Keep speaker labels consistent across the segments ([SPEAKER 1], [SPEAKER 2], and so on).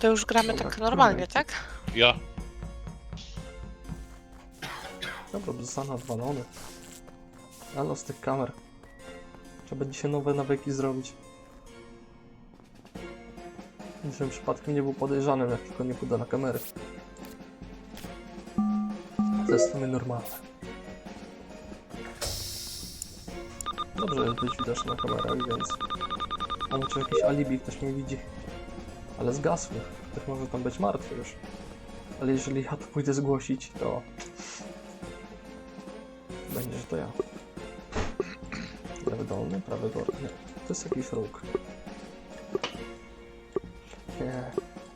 [SPEAKER 1] to już gramy tak normalnie, tak?
[SPEAKER 2] Ja.
[SPEAKER 3] Dobra, zostanę odwalony. Ale z tych kamer. Trzeba będzie się nowe nawyki zrobić. Żebym przypadkiem nie był podejrzanym, jak tylko nie pójdę na kamery. To jest w sumie normalne. Dobrze jest być widoczny na kamerach, więc... Mam czy jakieś alibi, ktoś mnie widzi. Ale zgasły. Ktoś może tam być martwy już. Ale jeżeli ja to pójdę zgłosić, to... Będzie, że to ja. Lewy dolny, prawy górny. Nie, to jest jakiś róg. Nie.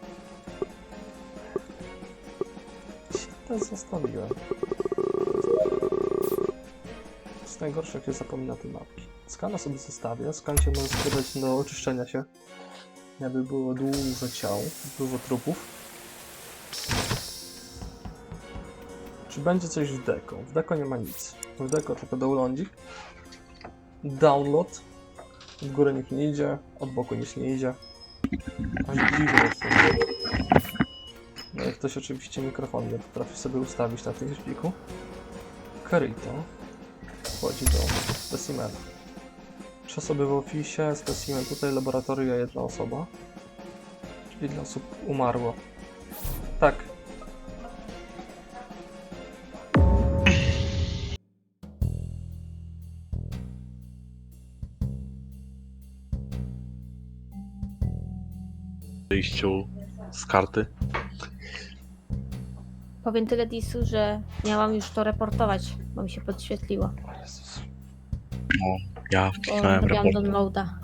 [SPEAKER 3] To zostawiłem. To jest najgorsze, jak się zapomina te mapki. Skana sobie zostawię. Skan się może składać do oczyszczenia się. Jakby było dużo ciał, dużo trupów. Czy będzie coś w deko? W deko nie ma nic. W deko tylko downloadzik. Download. W górę nikt nie idzie, od boku nic nie idzie. Aż dziwne jest to. No jak ktoś oczywiście mikrofon nie potrafi sobie ustawić na tym szpiku. Carito wchodzi do specimena. 3 osoby w oficie, specimen tutaj, laboratoria 1 osoba. Czyli ile osób umarło. Tak.
[SPEAKER 2] Wyjściu z karty.
[SPEAKER 4] Powiem tyle Disu, że miałam już to reportować, bo mi się podświetliło.
[SPEAKER 3] O Jezus.
[SPEAKER 2] Ja
[SPEAKER 4] Bo
[SPEAKER 2] wkliknąłem
[SPEAKER 4] robiłam
[SPEAKER 2] raport.
[SPEAKER 4] downloada.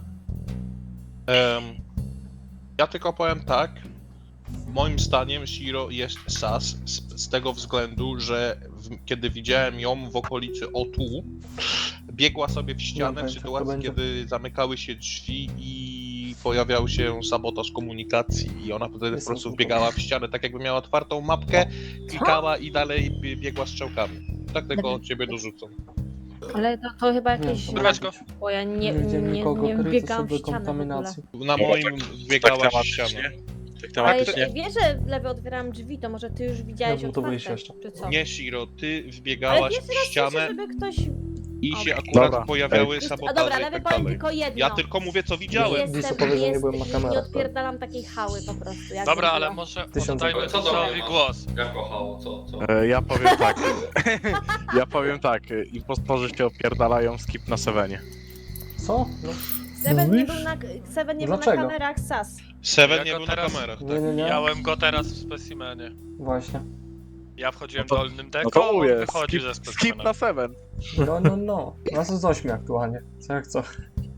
[SPEAKER 2] Ja tylko powiem tak. Moim zdaniem Shiro jest sas z tego względu, że kiedy widziałem ją w okolicy O2, biegła sobie w ścianę w
[SPEAKER 3] będzie, to
[SPEAKER 2] sytuacji,
[SPEAKER 3] będzie.
[SPEAKER 2] kiedy zamykały się drzwi i pojawiał się sabotaż komunikacji i ona wtedy po
[SPEAKER 3] Jest
[SPEAKER 2] prostu
[SPEAKER 3] to
[SPEAKER 2] wbiegała w ścianę, tak jakby miała otwartą mapkę, klikała i dalej biegła strzałkami. Tak tylko od ciebie dorzucam.
[SPEAKER 4] Ale to chyba
[SPEAKER 3] Nie,
[SPEAKER 4] jakieś...
[SPEAKER 3] to może być.
[SPEAKER 4] Bo ja
[SPEAKER 3] Nie widziałem nikogo,
[SPEAKER 4] nie
[SPEAKER 3] Carito
[SPEAKER 4] wbiegałam w
[SPEAKER 3] sobie
[SPEAKER 4] ścianę w ogóle.
[SPEAKER 3] kontaminacji.
[SPEAKER 2] Na moim wbiegała w ścianę.
[SPEAKER 4] Ale
[SPEAKER 2] Tematycznie.
[SPEAKER 4] wiesz, że lewy otwierałam drzwi, to może ty już widziałeś
[SPEAKER 3] Ja bym to
[SPEAKER 4] otwarte,
[SPEAKER 3] wyjść jeszcze.
[SPEAKER 4] czy co?
[SPEAKER 2] Nie, Shiro, ty
[SPEAKER 4] Ale
[SPEAKER 2] wbiegałaś
[SPEAKER 4] pierwszy
[SPEAKER 2] w
[SPEAKER 4] raz słyszę,
[SPEAKER 2] ścianę
[SPEAKER 4] żeby ktoś...
[SPEAKER 2] i się
[SPEAKER 4] Okej.
[SPEAKER 2] akurat
[SPEAKER 5] Dobra.
[SPEAKER 2] pojawiały
[SPEAKER 4] A
[SPEAKER 2] sabotaże
[SPEAKER 4] dobra,
[SPEAKER 2] i
[SPEAKER 4] lewy
[SPEAKER 2] tak
[SPEAKER 4] powiem
[SPEAKER 2] dalej.
[SPEAKER 4] tylko jedno.
[SPEAKER 2] Ja tylko mówię, co
[SPEAKER 4] Nie
[SPEAKER 2] widziałem.
[SPEAKER 3] Disu powie, że nie byłem na
[SPEAKER 4] nie
[SPEAKER 3] kamerach.
[SPEAKER 4] odpierdalam takiej hały po prostu. Jak
[SPEAKER 6] Dobra, ale
[SPEAKER 4] zrobiła.
[SPEAKER 6] może
[SPEAKER 3] Tysiąc
[SPEAKER 6] oddajmy
[SPEAKER 3] euro.
[SPEAKER 7] Co to
[SPEAKER 6] Disowi
[SPEAKER 7] ma?
[SPEAKER 6] głos.
[SPEAKER 7] Jak kochało, co?
[SPEAKER 5] Ja powiem tak. Ja powiem tak. Impostorzy się opierdalają, skip na Sevenie.
[SPEAKER 3] Co? No,
[SPEAKER 4] Seven nie był na
[SPEAKER 3] Dlaczego?
[SPEAKER 4] kamerach SAS.
[SPEAKER 2] Seven
[SPEAKER 6] Ja
[SPEAKER 2] nie
[SPEAKER 6] go
[SPEAKER 2] był na
[SPEAKER 6] teraz-
[SPEAKER 2] kamerach.
[SPEAKER 3] nie, nie, nie.
[SPEAKER 6] Miałem go teraz w specimenie.
[SPEAKER 3] Właśnie.
[SPEAKER 6] Ja wchodziłem
[SPEAKER 5] No to-
[SPEAKER 6] dolnym
[SPEAKER 5] No
[SPEAKER 6] deką,
[SPEAKER 5] to
[SPEAKER 6] on
[SPEAKER 5] mówię,
[SPEAKER 6] wychodzi ze
[SPEAKER 5] skip
[SPEAKER 6] specimena.
[SPEAKER 5] na Seven.
[SPEAKER 3] No. Nas jest 8 aktualnie. Co jak co.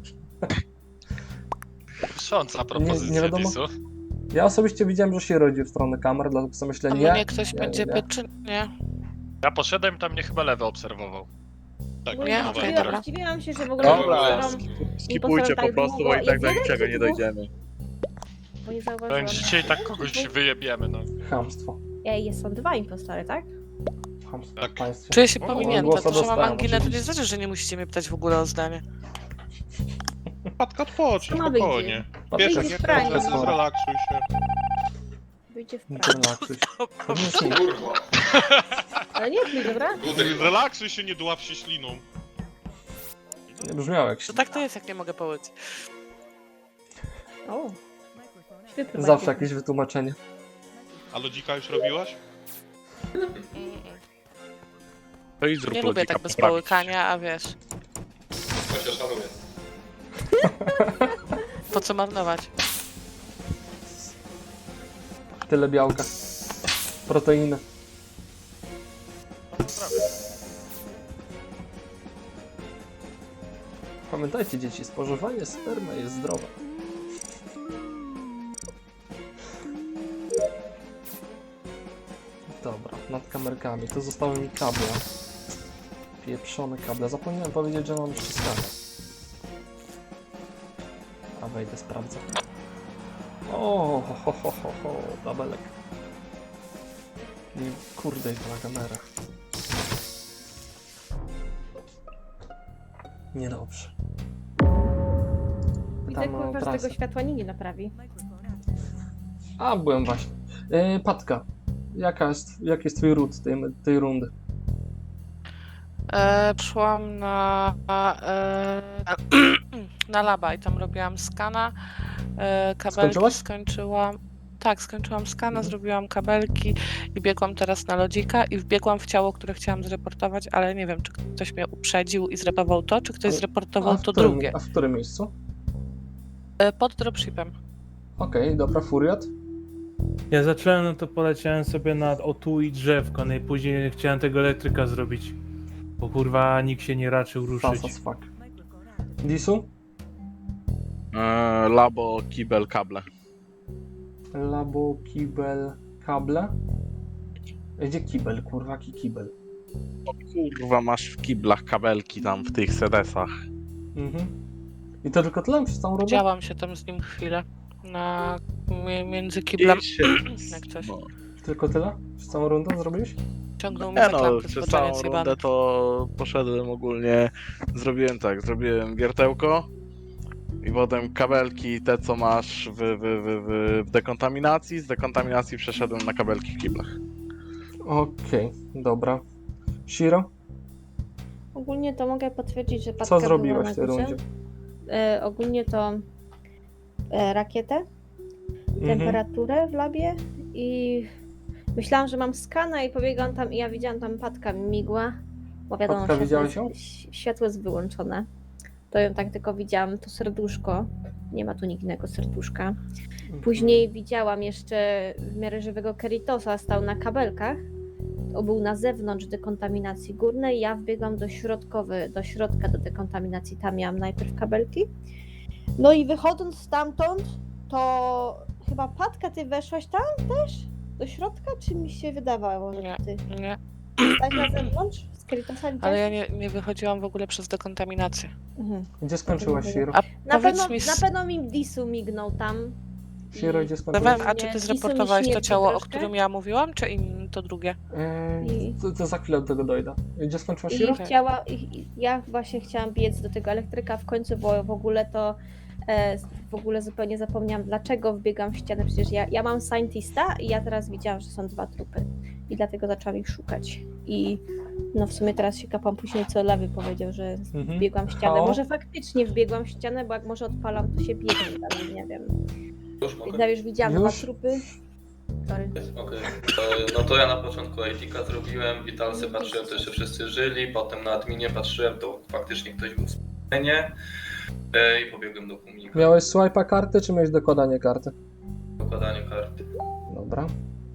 [SPEAKER 6] Kusząca propozycja,
[SPEAKER 3] Nie wiadomo.
[SPEAKER 6] Disu.
[SPEAKER 3] Ja osobiście widziałem, że się rodzi w stronę kamer, dlatego sobie myślę,
[SPEAKER 1] A
[SPEAKER 3] nie.
[SPEAKER 1] mnie ktoś będzie pytał, czy nie?
[SPEAKER 6] Ja poszedłem, tam mnie chyba lewy obserwował.
[SPEAKER 2] Tak,
[SPEAKER 4] Bo
[SPEAKER 1] Nie?
[SPEAKER 4] ja
[SPEAKER 1] Okej, dobra.
[SPEAKER 4] zdziwiłam się, że w ogóle
[SPEAKER 5] Dobra,
[SPEAKER 4] nie
[SPEAKER 5] skipujcie po prostu, bo i tak do niczego nie dojdziemy.
[SPEAKER 4] Bo nie zauważyłam.
[SPEAKER 6] Powiem, że dzisiaj tak kogoś wyjebiemy, no.
[SPEAKER 3] Chamstwo.
[SPEAKER 4] Ej, są 2 impostory, tak?
[SPEAKER 3] Chamstwo
[SPEAKER 2] Tak.
[SPEAKER 3] w państwie.
[SPEAKER 1] Czuję się
[SPEAKER 2] O,
[SPEAKER 1] pominięta,
[SPEAKER 3] głosa
[SPEAKER 1] to, że mam
[SPEAKER 3] dostałem,
[SPEAKER 1] anginę, to nie
[SPEAKER 3] oczywiście.
[SPEAKER 1] znaczy, że nie musicie mnie pytać w ogóle o zdanie.
[SPEAKER 2] Patka odpocznij,
[SPEAKER 4] No,
[SPEAKER 2] spokojnie. Wiesz,
[SPEAKER 4] Wyjdzie
[SPEAKER 2] jak
[SPEAKER 4] w praniu.
[SPEAKER 2] nie zrelaksuj się.
[SPEAKER 4] Wyjdzie w
[SPEAKER 3] Nie
[SPEAKER 4] prawo.
[SPEAKER 3] relaksuj się. Pewnie śni.
[SPEAKER 7] Kurwa.
[SPEAKER 4] Ale nie pluj, dobra?
[SPEAKER 2] Relaksuj się, nie dław się śliną.
[SPEAKER 3] Nie brzmiało jak
[SPEAKER 1] To
[SPEAKER 3] śni.
[SPEAKER 1] tak to jest, jak nie mogę połyć.
[SPEAKER 4] O. Świetny
[SPEAKER 3] Zawsze
[SPEAKER 4] bakiet.
[SPEAKER 3] jakieś wytłumaczenie.
[SPEAKER 2] A lodzika już robiłaś?
[SPEAKER 5] To i zrób
[SPEAKER 1] Nie lubię
[SPEAKER 5] lodzika
[SPEAKER 1] tak bez
[SPEAKER 5] poprawić.
[SPEAKER 1] połykania, a wiesz,
[SPEAKER 7] To się szanuję.
[SPEAKER 1] po co marnować?
[SPEAKER 3] Tyle białka. Proteiny. Pamiętajcie dzieci, spożywanie spermy jest zdrowe. Dobra, nad kamerkami. To zostały mi kable. Pieprzone kable. Zapomniałem powiedzieć, że mam ściskane. A wejdę, sprawdzę. O, ho, dabelek. I kurde, ich na kamerach. Niedobrze.
[SPEAKER 4] I tak
[SPEAKER 3] Tam
[SPEAKER 4] kurwa, że
[SPEAKER 3] trasę.
[SPEAKER 4] tego światła nikt nie naprawi.
[SPEAKER 3] A, byłem właśnie. Patka, jaki jest twój ród tej rundy?
[SPEAKER 1] Przyszłam na laba i tam robiłam skana, kabelki
[SPEAKER 3] Skończyłaś?
[SPEAKER 1] skończyłam. Tak, skończyłam skana,
[SPEAKER 3] Mhm.
[SPEAKER 1] zrobiłam kabelki i biegłam teraz na lodzika i wbiegłam w ciało, które chciałam zreportować, ale nie wiem, czy ktoś mnie uprzedził i zreportował to, czy ktoś zreportował to drugie.
[SPEAKER 3] A w którym miejscu?
[SPEAKER 1] Pod dropshipem.
[SPEAKER 3] Okej, dobra, Furiat.
[SPEAKER 8] Ja zacząłem, no to poleciałem sobie na O2 i drzewko, no i później chciałem tego elektryka zrobić. Bo kurwa nikt się nie raczył ruszyć.
[SPEAKER 3] Fast as fuck. Disu?
[SPEAKER 5] Labo, kibel, kable.
[SPEAKER 3] Labo, kibel, kable. Gdzie kibel, kurwa, jaki kibel?
[SPEAKER 5] Kurwa, masz w kiblach kabelki tam w tych sedesach.
[SPEAKER 3] Mhm. I to tylko tyle przez całą rundę?
[SPEAKER 1] Działam się tam z nim chwilę. Między kiblem, jak coś.
[SPEAKER 5] No.
[SPEAKER 3] Tylko tyle? Przez całą rundę zrobiłeś?
[SPEAKER 1] Ciągnął mnie
[SPEAKER 5] Nie
[SPEAKER 1] za
[SPEAKER 5] no,
[SPEAKER 1] klamkę
[SPEAKER 5] przez
[SPEAKER 1] z
[SPEAKER 5] całą
[SPEAKER 1] zjebany.
[SPEAKER 5] rundę to poszedłem ogólnie, zrobiłem wiertełko i potem kabelki, te co masz w dekontaminacji, z dekontaminacji przeszedłem na kabelki w kiblach.
[SPEAKER 3] Okej, dobra. Shiro?
[SPEAKER 4] Ogólnie to mogę potwierdzić, że Patka
[SPEAKER 3] Co
[SPEAKER 4] była
[SPEAKER 3] zrobiłaś
[SPEAKER 4] na
[SPEAKER 3] w tej
[SPEAKER 4] górze.
[SPEAKER 3] rundzie?
[SPEAKER 4] Ogólnie to rakietę,
[SPEAKER 3] Mhm.
[SPEAKER 4] temperaturę w labie i myślałam, że mam skana i pobiegłam tam i ja widziałam tam Patka migła, bo wiadomo,
[SPEAKER 3] Patka, widziałeś ją?
[SPEAKER 4] światło jest wyłączone. To ją tak tylko widziałam, to serduszko, nie ma tu nikt innego serduszka. Później widziałam jeszcze w miarę żywego Keritosa, stał na kabelkach. To był na zewnątrz dekontaminacji górnej. Ja wbiegłam do środka do dekontaminacji. Tam miałam najpierw kabelki. No i wychodząc stamtąd, to chyba Patka, ty weszłaś tam też? Do środka? Czy mi się wydawało, że
[SPEAKER 1] Nie.
[SPEAKER 4] ty
[SPEAKER 1] Nie,
[SPEAKER 4] stać na zewnątrz? Z Keritosa
[SPEAKER 1] ale ja
[SPEAKER 4] widziałaś?
[SPEAKER 1] nie wychodziłam w ogóle przez dekontaminację.
[SPEAKER 4] Mhm.
[SPEAKER 3] Gdzie skończyłaś, Shiro?
[SPEAKER 1] A
[SPEAKER 4] Na
[SPEAKER 1] powiedz
[SPEAKER 4] pewno,
[SPEAKER 1] mi,
[SPEAKER 4] na pewno mi Disu mignął tam.
[SPEAKER 3] Shiro, gdzie skończyłaś?
[SPEAKER 1] a czy ty
[SPEAKER 4] Disu mi
[SPEAKER 1] zreportowałeś to
[SPEAKER 4] śmierci
[SPEAKER 1] ciało, o
[SPEAKER 4] troszkę.
[SPEAKER 1] którym ja mówiłam, czy to drugie?
[SPEAKER 3] To za chwilę do tego dojdę. Gdzie skończyłaś,
[SPEAKER 4] I
[SPEAKER 3] Shiro?
[SPEAKER 4] ja właśnie chciałam biec do tego elektryka w końcu, bo w ogóle to w ogóle zupełnie zapomniałam, dlaczego wbiegam w ścianę. Przecież ja mam scientista i ja teraz widziałam, że są 2 trupy. I dlatego zaczęłam ich szukać. I no w sumie teraz się kapłam później, co Lewy powiedział, że
[SPEAKER 3] Mhm.
[SPEAKER 4] wbiegłam w ścianę.
[SPEAKER 3] Hao?
[SPEAKER 4] Może faktycznie wbiegłam w ścianę, bo jak może odpalam, to się biegnie dalej, nie wiem.
[SPEAKER 7] Już mogę?
[SPEAKER 4] Ja już widziałam
[SPEAKER 3] Już?
[SPEAKER 4] 2 trupy. Sorry.
[SPEAKER 7] Okej. No to ja na początku AD-ka zrobiłem, Witalsy patrzyłem, to jeszcze wszyscy żyli, potem na adminie patrzyłem, to faktycznie ktoś był w scenie i pobiegłem do komunikacji.
[SPEAKER 3] Miałeś swipe'a karty, czy miałeś dokładanie karty?
[SPEAKER 7] Dokładanie karty.
[SPEAKER 3] Dobra.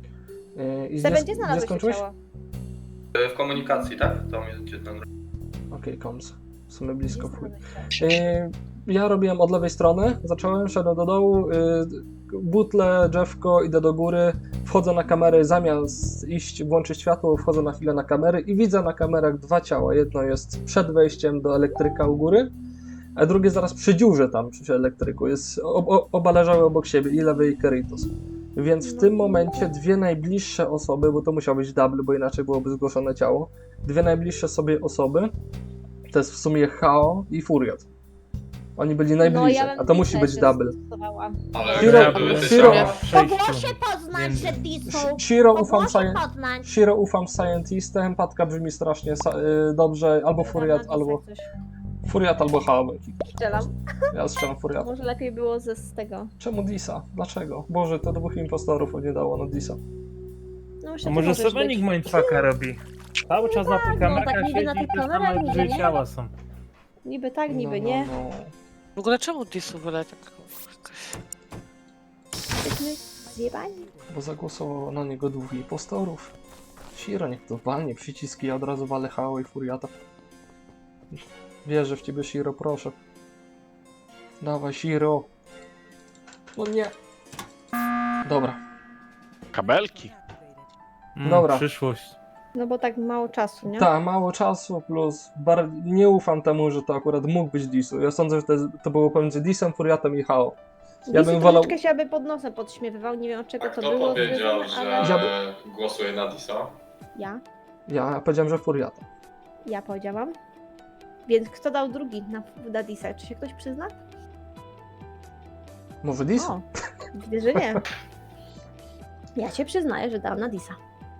[SPEAKER 3] I
[SPEAKER 4] Sebe, gdzie
[SPEAKER 3] gdzie
[SPEAKER 4] znalazłeś to
[SPEAKER 3] skończyłeś?
[SPEAKER 4] ciało?
[SPEAKER 7] W komunikacji, tak? Tam jest gdzie ten...
[SPEAKER 3] Okej, koms. W sumie
[SPEAKER 4] Gdzie
[SPEAKER 3] blisko chuj.
[SPEAKER 4] znalazłeś ciało?
[SPEAKER 3] Ja robiłem od lewej strony, zacząłem, szedłem do dołu, butle, drzewko, idę do góry, wchodzę na kamery, zamiast iść, włączyć światło, wchodzę na chwilę na kamery i widzę na kamerach 2 ciała. Jedno jest przed wejściem do elektryka u góry, a drugie zaraz przy dziurze tam, przy elektryku. Oba leżały obok siebie, i Lewy i Keritos. Więc w tym momencie 2 najbliższe osoby, bo to musiał być double, bo inaczej byłoby zgłoszone ciało, 2 najbliższe sobie osoby, to jest w sumie Hao i Furiat. Oni byli najbliżej,
[SPEAKER 4] bym
[SPEAKER 3] a to musi
[SPEAKER 4] Disa
[SPEAKER 3] być
[SPEAKER 4] jeszcze
[SPEAKER 3] double.
[SPEAKER 4] zastosowała.
[SPEAKER 7] Ale
[SPEAKER 3] Shiro-
[SPEAKER 7] gdzie były te
[SPEAKER 3] Shiro-
[SPEAKER 7] ciała?
[SPEAKER 4] To było się poznać, że Disu.
[SPEAKER 3] Shiro
[SPEAKER 4] To
[SPEAKER 3] ufam,
[SPEAKER 4] było się poznać.
[SPEAKER 3] Shiro ufam Scientistem, Patka brzmi strasznie dobrze, albo Furiat, albo Furiat, albo Hao.
[SPEAKER 4] Strzelam.
[SPEAKER 3] Ja strzelam Furiat.
[SPEAKER 4] Może lepiej było z tego.
[SPEAKER 3] Czemu Disa? Dlaczego? Boże, to 2 impostorów nie dało na Disa.
[SPEAKER 4] No,
[SPEAKER 8] A
[SPEAKER 4] jeszcze
[SPEAKER 8] może
[SPEAKER 4] możesz
[SPEAKER 8] Sebenik
[SPEAKER 4] być.
[SPEAKER 8] mindfucka robi? Cały czas na tych
[SPEAKER 4] no,
[SPEAKER 8] kamerach
[SPEAKER 4] tak niby na
[SPEAKER 8] siedzi
[SPEAKER 4] tych
[SPEAKER 8] i tam
[SPEAKER 4] kamerach, niby
[SPEAKER 8] dwie
[SPEAKER 4] nie.
[SPEAKER 8] ciała są.
[SPEAKER 4] Niby tak, niby nie.
[SPEAKER 3] No.
[SPEAKER 1] W ogóle czemu Disu wyle tak jakoś...
[SPEAKER 4] Jesteśmy zjebani.
[SPEAKER 3] Bo zagłosowało na niego 2 impostorów. Shiro, niech to walnie przyciski, ja od razu walę Hao i Furiata. Wierzę w ciebie, Shiro, proszę. Dawaj, Shiro. No nie. Dobra.
[SPEAKER 5] Kabelki?
[SPEAKER 3] Dobra.
[SPEAKER 8] Przyszłość.
[SPEAKER 4] No bo tak mało czasu, nie?
[SPEAKER 3] Tak, mało czasu, plus nie ufam temu, że to akurat mógł być Disu. Ja sądzę, że to było pomiędzy Disem, Furiatem i Hao. Ja
[SPEAKER 4] Disu
[SPEAKER 3] bym wolał...
[SPEAKER 4] troszeczkę się aby pod nosem podśmiewywał, nie wiem od czego
[SPEAKER 7] A
[SPEAKER 4] to
[SPEAKER 7] kto
[SPEAKER 4] było.
[SPEAKER 7] powiedział,
[SPEAKER 4] związane,
[SPEAKER 7] że
[SPEAKER 4] ale
[SPEAKER 7] głosuje na Disa?
[SPEAKER 3] Ja powiedziałem, że Furiata.
[SPEAKER 4] ja powiedziałam. Więc kto dał drugi na Disa? Czy się ktoś przyzna?
[SPEAKER 3] Może Disu?
[SPEAKER 4] O, widzę, że nie. Ja się przyznaję, że dałam na Disa.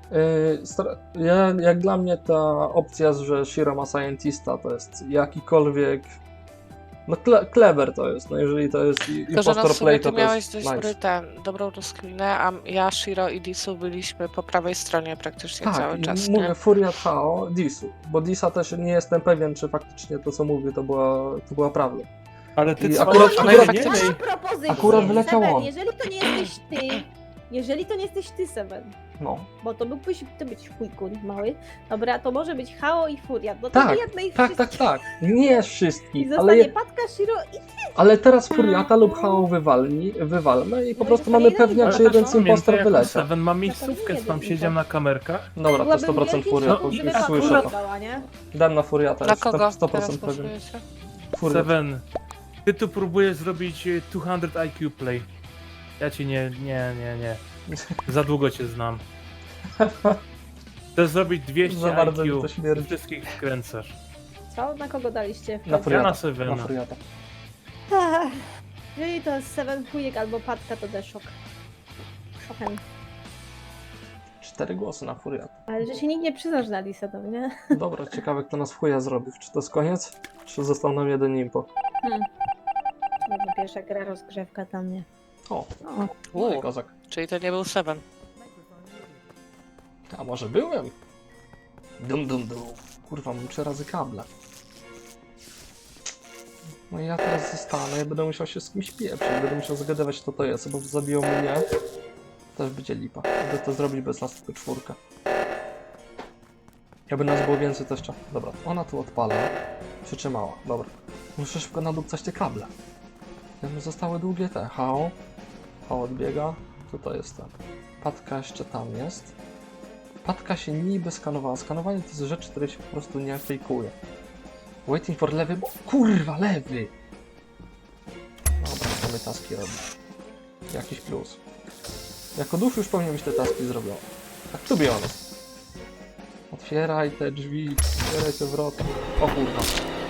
[SPEAKER 3] Jak dla mnie ta opcja, że Shiro ma Scientista, to jest jakikolwiek... No clever to jest, no jeżeli to jest
[SPEAKER 1] Tylko, że no
[SPEAKER 3] impostor
[SPEAKER 1] w sumie
[SPEAKER 3] play,
[SPEAKER 1] ty
[SPEAKER 3] to to
[SPEAKER 1] miałeś
[SPEAKER 3] jest
[SPEAKER 1] dość
[SPEAKER 3] nice.
[SPEAKER 1] dobrą rozkminę, a ja, Shiro i Disu byliśmy po prawej stronie praktycznie
[SPEAKER 3] Tak,
[SPEAKER 1] cały
[SPEAKER 3] i
[SPEAKER 1] czas,
[SPEAKER 3] mówię
[SPEAKER 1] nie?
[SPEAKER 3] Furiat Hao, Disu, bo Disa też nie jestem pewien, czy faktycznie to, co mówię, to była prawda.
[SPEAKER 8] Ale ty
[SPEAKER 3] I
[SPEAKER 8] co?
[SPEAKER 3] akurat-
[SPEAKER 8] A
[SPEAKER 3] akurat-
[SPEAKER 8] nie,
[SPEAKER 4] Mam
[SPEAKER 8] nie,
[SPEAKER 4] propozycję.
[SPEAKER 3] Akurat wleciał
[SPEAKER 4] Seven,
[SPEAKER 3] on.
[SPEAKER 4] jeżeli to nie jesteś ty, Seven,
[SPEAKER 3] No,
[SPEAKER 4] bo to mógłbyś to być chujkun mały, dobra, to może być Hao i Furiat, no to
[SPEAKER 3] tak,
[SPEAKER 4] jednej ich
[SPEAKER 3] tak. Nie
[SPEAKER 4] I
[SPEAKER 3] wszystkich,
[SPEAKER 4] zostanie Patka, Shiro i
[SPEAKER 3] ale teraz Furiata lub Hao wywalmy i po
[SPEAKER 4] No i
[SPEAKER 3] prostu
[SPEAKER 4] zostanie
[SPEAKER 3] mamy
[SPEAKER 4] jeden
[SPEAKER 3] pewniak,
[SPEAKER 4] impostor.
[SPEAKER 3] czy jeden z
[SPEAKER 8] Pamiętaj,
[SPEAKER 3] impostor
[SPEAKER 8] jak
[SPEAKER 3] wyleciał.
[SPEAKER 8] Seven mam
[SPEAKER 4] Na
[SPEAKER 8] miejscówkę,
[SPEAKER 4] pewno
[SPEAKER 8] tam
[SPEAKER 4] jeden
[SPEAKER 8] siedział na
[SPEAKER 4] impostor.
[SPEAKER 8] kamerkach.
[SPEAKER 3] Dobra, to
[SPEAKER 4] byłabym
[SPEAKER 3] 100%
[SPEAKER 4] wielki
[SPEAKER 3] Furiat,
[SPEAKER 4] szok, gdyby
[SPEAKER 3] już
[SPEAKER 4] Patka
[SPEAKER 3] słyszę to.
[SPEAKER 4] dodała, nie?
[SPEAKER 3] Dam na Furiata,
[SPEAKER 1] Na
[SPEAKER 3] jestem
[SPEAKER 1] kogo
[SPEAKER 3] 100%
[SPEAKER 1] teraz
[SPEAKER 3] pewien.
[SPEAKER 1] głosujecie?
[SPEAKER 3] Furiat.
[SPEAKER 8] Seven, ty tu próbujesz zrobić 200 IQ play. Ja ci nie. Za długo cię znam. Chcesz zrobić 200
[SPEAKER 3] Za bardzo mi
[SPEAKER 8] IQ,
[SPEAKER 3] to śmierdzi.
[SPEAKER 8] wszystkich wkręcasz.
[SPEAKER 4] Co? Na kogo daliście?
[SPEAKER 3] Na Furiata.
[SPEAKER 8] na Sevena.
[SPEAKER 3] Na Furiata.
[SPEAKER 4] Ach, jeżeli to jest Seven chujek albo Patka, to też szok. Szokiem.
[SPEAKER 3] 4 głosy na Furiata.
[SPEAKER 4] Ale że się nikt nie przyznasz na Disa, to nie?
[SPEAKER 3] Dobra, ciekawe kto nas w chuja zrobił. Czy to jest koniec? Czy został nam jeden impo?
[SPEAKER 4] Nie wiem, pierwsza gra rozgrzewka dla mnie.
[SPEAKER 3] O,
[SPEAKER 4] O,
[SPEAKER 3] no i kozak.
[SPEAKER 1] Czyli to nie był Seven.
[SPEAKER 3] A może byłem? Dum. Kurwa, mam 3 razy kable. No i ja teraz zostanę, ja będę musiał się z kimś pieprzyć, będę musiał zagadywać kto to jest, bo zabiją mnie. Też będzie lipa. Będę to zrobić bez nas tylko 4. Jakby nas było więcej też trzeba. Dobra, ona tu odpala. Przytrzymała, dobra. Muszę szybko nadupcać te kable. Jakby zostały długie te. Hao odbiega. Tutaj jest ten. Patka jeszcze tam jest. Patka się niby skanowała. Skanowanie to jest rzecz, której się po prostu nie fejkuje. Waiting for lewy, bo kurwa, lewy! Dobra, mamy taski robić. Jakiś plus. Jako duch już powinien być te taski zrobione. Tak to be honest. Otwieraj te drzwi, otwieraj te wrota. O kurwa.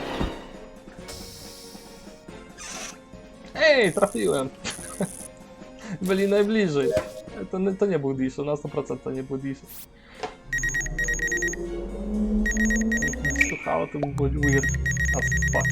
[SPEAKER 3] Ej, trafiłem! Byli najbliżej. To nie był Dishu, na 100% to nie był Dishu. Słuchało, to by było weird as fuck.